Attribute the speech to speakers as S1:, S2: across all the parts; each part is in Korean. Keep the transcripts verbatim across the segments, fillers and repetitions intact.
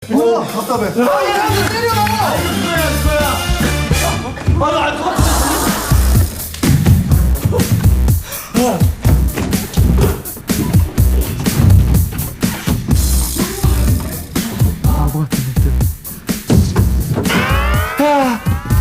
S1: 우와 답답해.
S2: 아 얘한테 때려.
S3: 그거야 그거야. 아나 알 것 같아.
S2: 바보 같은 놈들. 아.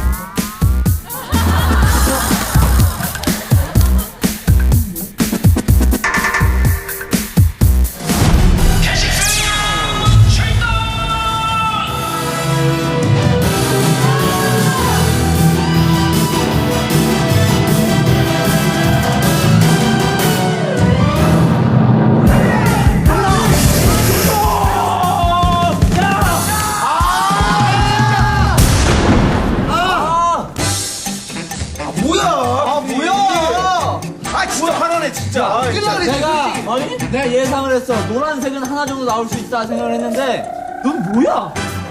S3: 진짜.
S4: 내가 아니? 내가 예상을 했어. 노란색은 하나 정도 나올 수 있다 생각을 했는데 넌 뭐야?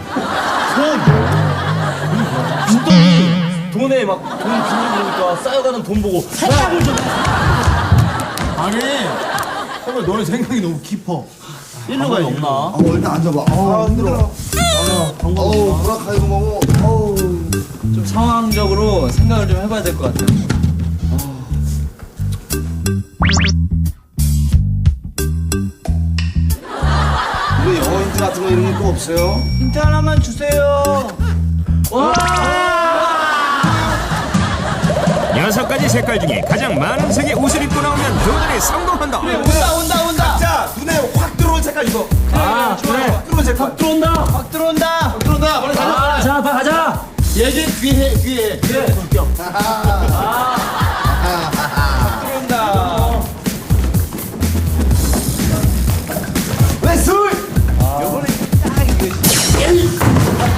S3: 빈돈이 돈에 막 돈 빌리니까 쌓여가는 돈 보고
S4: 생각을 좀
S1: 아니 정말 너의 생각이 너무 깊어.
S4: 일로 가야 없나?
S1: 어 일단 앉아봐. 어 힘들어. 어우 브라카이고 뭐고. 어우.
S4: 좀 상황적으로 생각을 좀 해봐야 될 것 같아.
S1: 우리 영어 힌트 같은 거 이런 거 없어요?
S2: 힌트 하나만 주세요.
S4: 와!
S5: 여섯 가지 색깔 중에 가장 많은 색의 옷을 입고 나오면 도전에 성공한다.
S4: 온다 온다 온다.
S3: 자 눈에 확 들어온 색깔 이거.
S4: 아 그래.
S3: 확 들어온 색깔.
S4: 확 들어온다.
S2: 확 들어온다.
S3: 확 들어온다. 빨리 가자.
S4: 아, 자, 빨리 가자.
S3: 예진 귀해 귀해.
S4: 그래. 성격.
S3: 들어온다.
S1: 왜 술?
S2: 요번에 딱 이거.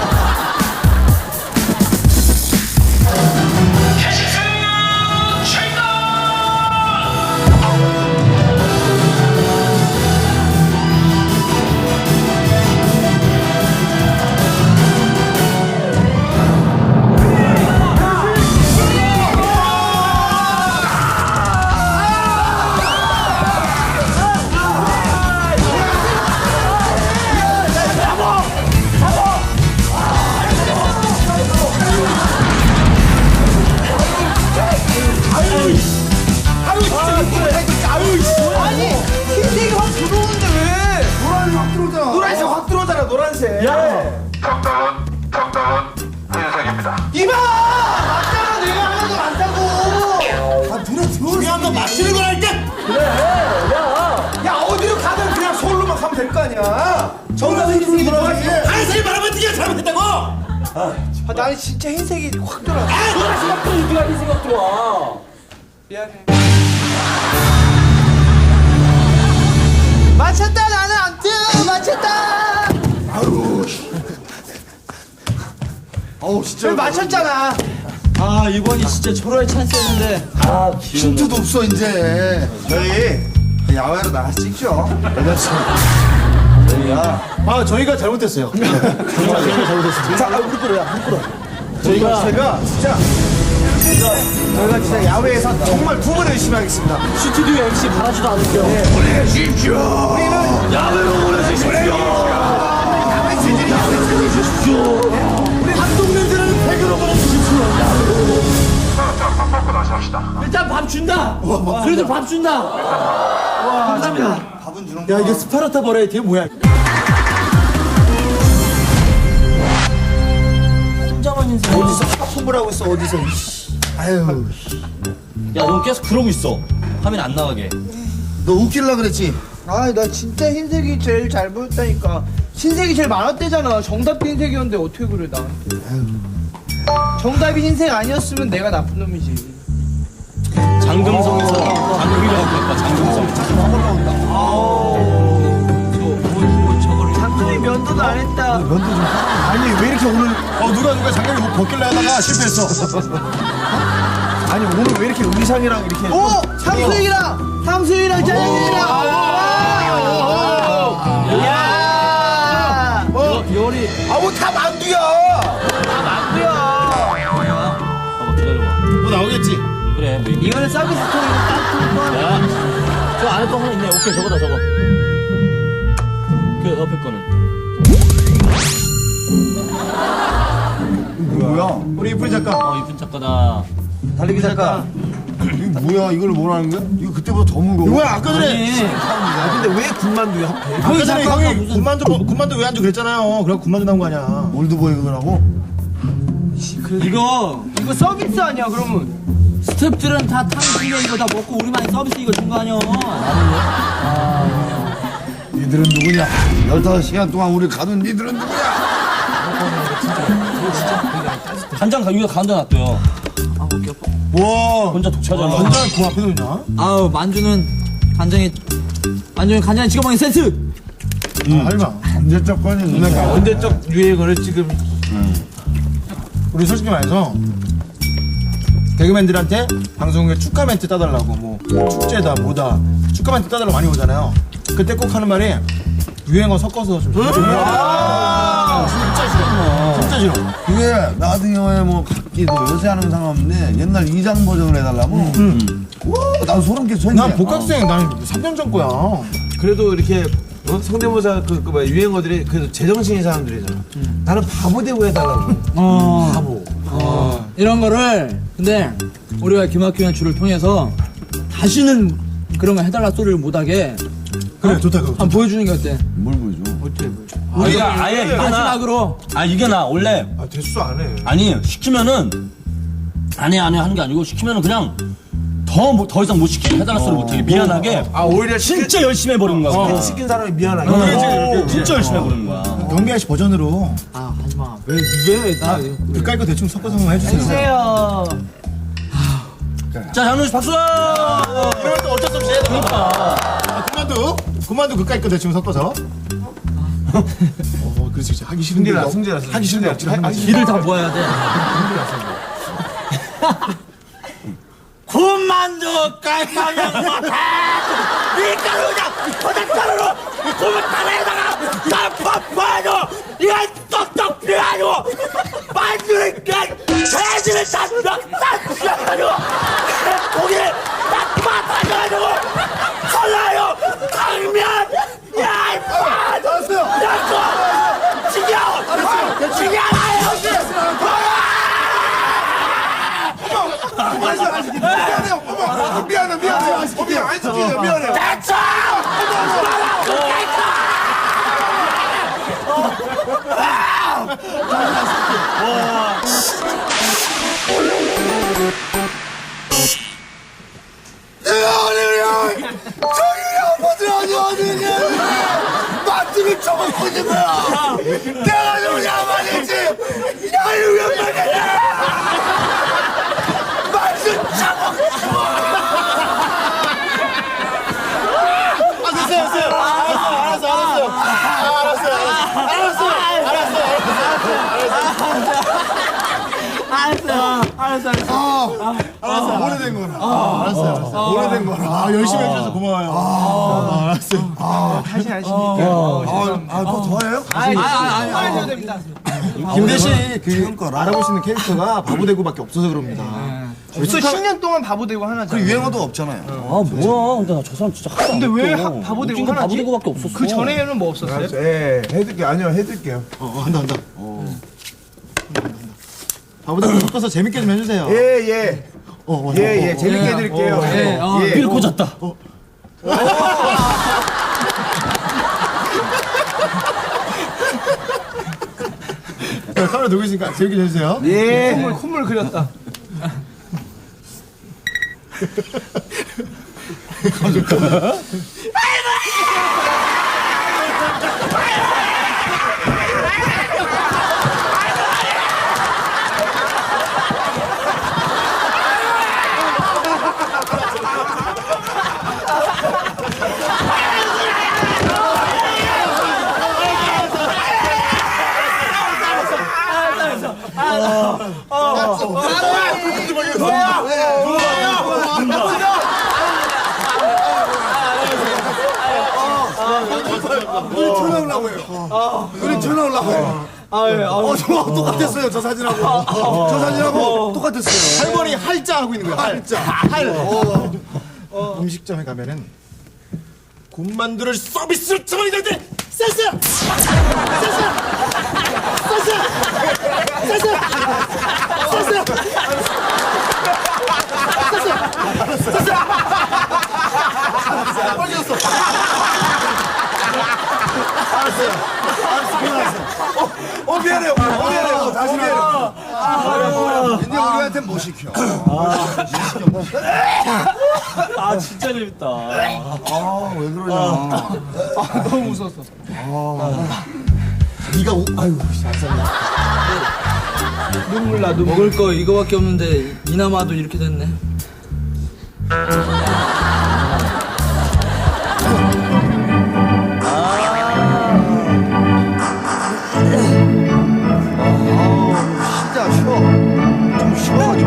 S2: 아니 흰색이 확 들어오는데 왜?
S1: 노란이 확 들어오잖아.
S3: 노란색 확 들어오잖아 노란색.
S4: 야.
S6: 정답은 정답은 흰색입니다.
S3: 이봐 맞잖아 내가 하는 거 맞다고.
S1: 아 눈에 들어오는
S3: 중요한 건 맞추는 거라니까. 야 어디로 가든 그냥 서울로만 가면 될 거 아니야. 정답은 흰색이 들어가지. 하얀색이 말하면 네가 잘못했다고.
S2: 아, 나는 진짜 흰색이 확 들어와.
S4: 아, 노란색 확 들어. 네가 흰색 확 들어와.
S2: 미안해. 맞췄다 나는 안 뜨. 맞췄다.
S1: 아유. 어우 진짜.
S2: 왜 맞췄잖아.
S4: 아 이번이 진짜 초로의 찬스였는데. 아
S1: 힌트도 없어 이제. 저희 야외로 나가서 찍죠.
S3: 아 저희가 잘못했어요. 저희가 잘못했어요. 자, 아, 무릎 꿇어야 무릎 꿇어. 저희가 제가 진짜 진짜 저희가 진짜 야외에서 정말 두 번 열심히 하겠습니다.
S4: 스튜디오 엠씨 바라지도 않을게요.
S3: 우리 한동네들은 백으로 보내주십시오.
S6: 자, 밥 먹고 다시 합시다.
S4: 일단 밥 준다. 그래도 밥 준다. 감사합니다.
S1: 밥은 주는
S3: 야 이게 스파르타 버라이티 뭐야?
S4: 혼자만 인생.
S3: 어디서 하품을 하고 있어 어디서?
S1: 아유.
S4: 야, 너 계속 그러고 있어. 화면 안 나가게.
S1: 너 웃길라 그랬지?
S2: 아, 나 진짜 흰색이 제일 잘 보였다니까. 흰색이 제일 많았대잖아. 정답도 흰색이었는데 어떻게 그래 나한테. 정답이 흰색 아니었으면 내가 나쁜 놈이지.
S4: 장금성에서 장금이라고 그랬다. 장금성.
S2: 장군이 면도도 안 했다.
S1: 아니 왜 이렇게 오늘 어 누가 누가 장갑이 뭐 벗길래 하다가 실패했어.
S3: 아니 오늘 왜 이렇게 의상이랑 이렇게?
S2: 오! 삼수이랑! 삼수이랑 짜장면이랑! 야!
S4: 뭐? 요리.
S3: 아뭐 다 만두야.
S2: 만두야!
S4: 봐봐, 기다려봐.
S1: 뭐 나오겠지?
S4: 그래, 뭐 이거.
S2: 이거는 서비스 통이고 딱 통과.
S4: 야, 저 안에 거 하나 있네. 오케이, 저거다, 저거. 그 옆에 거는.
S3: 우리 이쁜이 작가.
S4: 어, 이쁜 작가다.
S1: 달리기 작가. 이거 뭐야? 이걸 뭐라는 거야? 이거 그때보다 더 무거워.
S3: 뭐야 아까 전에
S4: 아니,
S1: 아, 근데 왜 군만두야 하필?
S3: 아까 전에
S4: 작가가
S3: 형이
S4: 무슨-
S3: 군만두 군만두 왜 안 줘 그랬잖아요. 그래 군만두 나온 거 아니야.
S1: 올드보이 그거라고?
S4: 이거
S2: 이거 서비스 아니야 그러면?
S4: 스태프들은 다 탕수육 이거 다 먹고 우리만 서비스 이거 준 거 아니야?
S1: 니들은 누구냐? 열다섯 시간 동안 우리 가둔 니들은 누구냐?
S7: 간장 이거 간장 놨대요.
S3: 와
S7: 혼자 독차지하려.
S3: 완전 그 앞에 있냐?
S4: 아우 만주는 간장에 만주는 간장에 찍어 먹는 센스.
S3: 아, 할마.
S1: 언제적 거니? 누나가
S3: 언제적 유행어를 지금 우리 솔직히 말해서 개그맨들한테 방송에 축하 멘트 따달라고 뭐 축제다 뭐다 축하 멘트 따달라고 많이 오잖아요. 그때 꼭 하는 말이 유행어 섞어서 좀 아, 진짜 싫어. 진짜 싫어.
S1: 그게 나 같은 경우에 뭐 각기도 요새 하는 상관없는데 옛날 이장 버전을 해달라고. 와, 난 소름 끼쳐.
S3: 난 복학생 난 삼 년 전 거야.
S8: 그래도 이렇게 어? 성대모사 그, 그 뭐야 유행어들이 그래도 제정신인 사람들이잖아. 나는 바보 되고 해달라고.
S4: 어.
S8: 바보.
S4: 이런 거를 근데 우리가 기막히는 줄을 통해서 다시는 그런 거 해달라 소리를 못하게
S3: 그래 좋다 그거.
S4: 한번 보여주는 게 어때?
S1: 뭘 보여줘?
S7: 우리가 아예 이게 나.
S4: 마지막으로
S7: 아 이게 나 원래
S8: 아 대수 안 해.
S7: 아니 시키면은 안해 안해 하는 게 아니고 시키면은 그냥 더 더 이상 못 시키게 해달라 소리 못하게 미안하게.
S8: 아 오히려
S7: 진짜 열심히 해버리는 거야.
S8: 시킨 사람이 미안하게.
S7: 어, 진짜 열심히 해버리는 거야.
S3: 경비 아저씨 버전으로
S4: 아 하지마 왜왜나
S3: 그까이 거 대충 섞어서 한번 해주세요.
S2: 해주세요.
S7: 자 장훈 씨 박수.
S3: 이러면 또 어쩔 수 없이 해야 되니까. 아, 그만두 그만두 그까이 거 대충 섞어서. 어 그렇지 그렇지 하기 싫은데
S8: 승질나,
S3: 너-
S8: 승질나,
S3: 하기 싫은데 억지로 하는 거지.
S4: 길을 다 모아야 돼.
S7: 군만두 깔깔이야 못해. 밀가루 그냥 도장가루로 고무타에다가 쌈밥하고 이거 똑똑 피하고 만두를 그냥 돼지를 싹싹 피하고 고기를 딱 맞아가지고 설라요 당면 야 이빨 야고 지겨 지겨라요.
S1: 미안해, 미안해, 미안해. 어, 미안, 안 시키죠, 미안해.
S7: 대처!
S1: 아버지 아니 어디냐? 마트를 쳐먹고 있는 거야. 내가 누구냐 말이지. 나를 왜 말이야? 마트 쳐먹고.
S3: 아 됐어요 됐어요. 알았어 알았어 알았어 알았어 알았어
S4: 알았어 알았어.
S3: 알았어 오래된 거라. 알았어 알았어 오래된 거라. 아 열심히 해주셔서 고마워요. 아 알았어요.
S2: 다시 하시니까.
S1: 아, 그거 더 해요?
S2: 아니 아니 아니 하셔도 됩니다.
S3: 김대시 그 알아볼 수 있는 캐릭터가 바보대구밖에 없어서 그럽니다.
S2: 벌써 십 년 동안 바보 되고 하나.
S1: 그 유행어도 없잖아요.
S7: 아 뭐야? 근데 나 저 사람 진짜 하나도
S2: 근데
S7: 안
S2: 왜
S7: 웃겨.
S2: 하- 바보 되고
S7: 웃긴 거
S2: 하나지?
S7: 바보 되고밖에 없었어.
S2: 그 전에는 뭐 없었어요?
S8: 예, 해드릴게요. 아니요, 해드릴게요.
S3: 어, 어 한다 한다. 바보대구 섞어서 재밌게 좀 해주세요.
S8: 예, 예.
S3: 어, 어,
S8: 예, 예. 재밌게 해드릴게요.
S4: 어, 예, 어.
S8: 예.
S7: 빌 꽂았다.
S3: 자, 카메라 누구 있으니까 재밌게 좀 해주세요.
S8: 예.
S2: 콧물 콧물 그렸다.
S1: 우리 전화오려고 해요. 우리 전화오려고 해요. 어, 저 똑같았어요. 저 사진하고. 저 사진하고 똑같았어요.
S3: 할머니 할자 하고 있는 거야. 할자. 할. 어. 음식점에 가면은 군만두를 서비스로 주문이 될 때 세스! 세스! 세스! 세스! 세스!
S1: 미안해요. 미안해요. 다시 미안해요. 근데 우리한테 못 시켜.
S7: 아 진짜 재밌다.
S1: 아왜 그러냐.
S2: 아, 너무 무서웠어.
S3: 네가 우, 아유, 안 쌌네.
S2: 눈물 나 눈물.
S4: 먹을 거 이거밖에 없는데 이나마도 이렇게 됐네.
S1: 진짜 쉬워. 좀 쉬워가지고.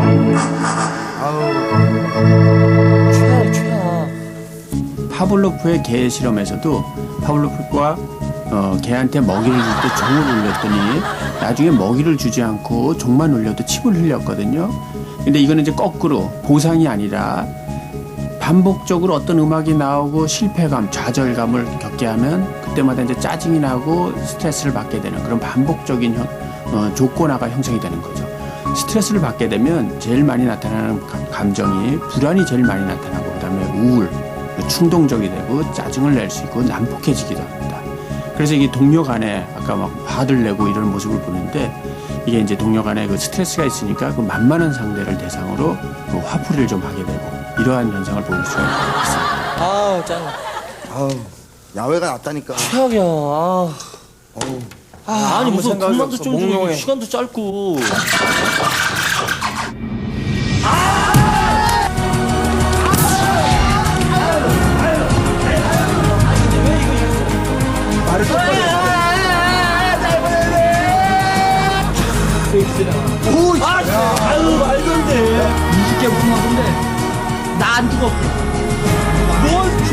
S9: 최악, 최악. 파블로프의 개 실험에서도 파블로프가 어, 개한테 먹이를 줄 때 종을 울렸더니 나중에 먹이를 주지 않고 종만 울려도 침을 흘렸거든요. 근데 이거는 이제 거꾸로 보상이 아니라 반복적으로 어떤 음악이 나오고 실패감, 좌절감을 겪게 하면 그때마다 이제 짜증이 나고 스트레스를 받게 되는 그런 반복적인 형, 어, 조건화가 형성이 되는 거죠. 스트레스를 받게 되면 제일 많이 나타나는 감- 감정이 불안이 제일 많이 나타나고 그다음에 우울, 충동적이 되고 짜증을 낼 수 있고 난폭해지기도 합니다. 그래서 이게 동료 간에 아까 막 화를 내고 이런 모습을 보는데 이게 이제 동료 간에 그 스트레스가 있으니까 그 만만한 상대를 대상으로 그 화풀이를 좀 하게 되고 이러한 현상을 보일 수가 있습니다. 아우, 짱.
S1: 아우 야외가 낫다니까.
S9: 최악이야. 아. 아, 아니, 무슨
S1: 생각이
S9: 금방도
S1: 없어.
S9: 좀 주고
S1: 몽롱해.
S9: 시간도 짧고.
S7: 아유 말도 안 돼.
S4: 이십 개 무슨 하던데 나 안 죽었어.
S7: 뭘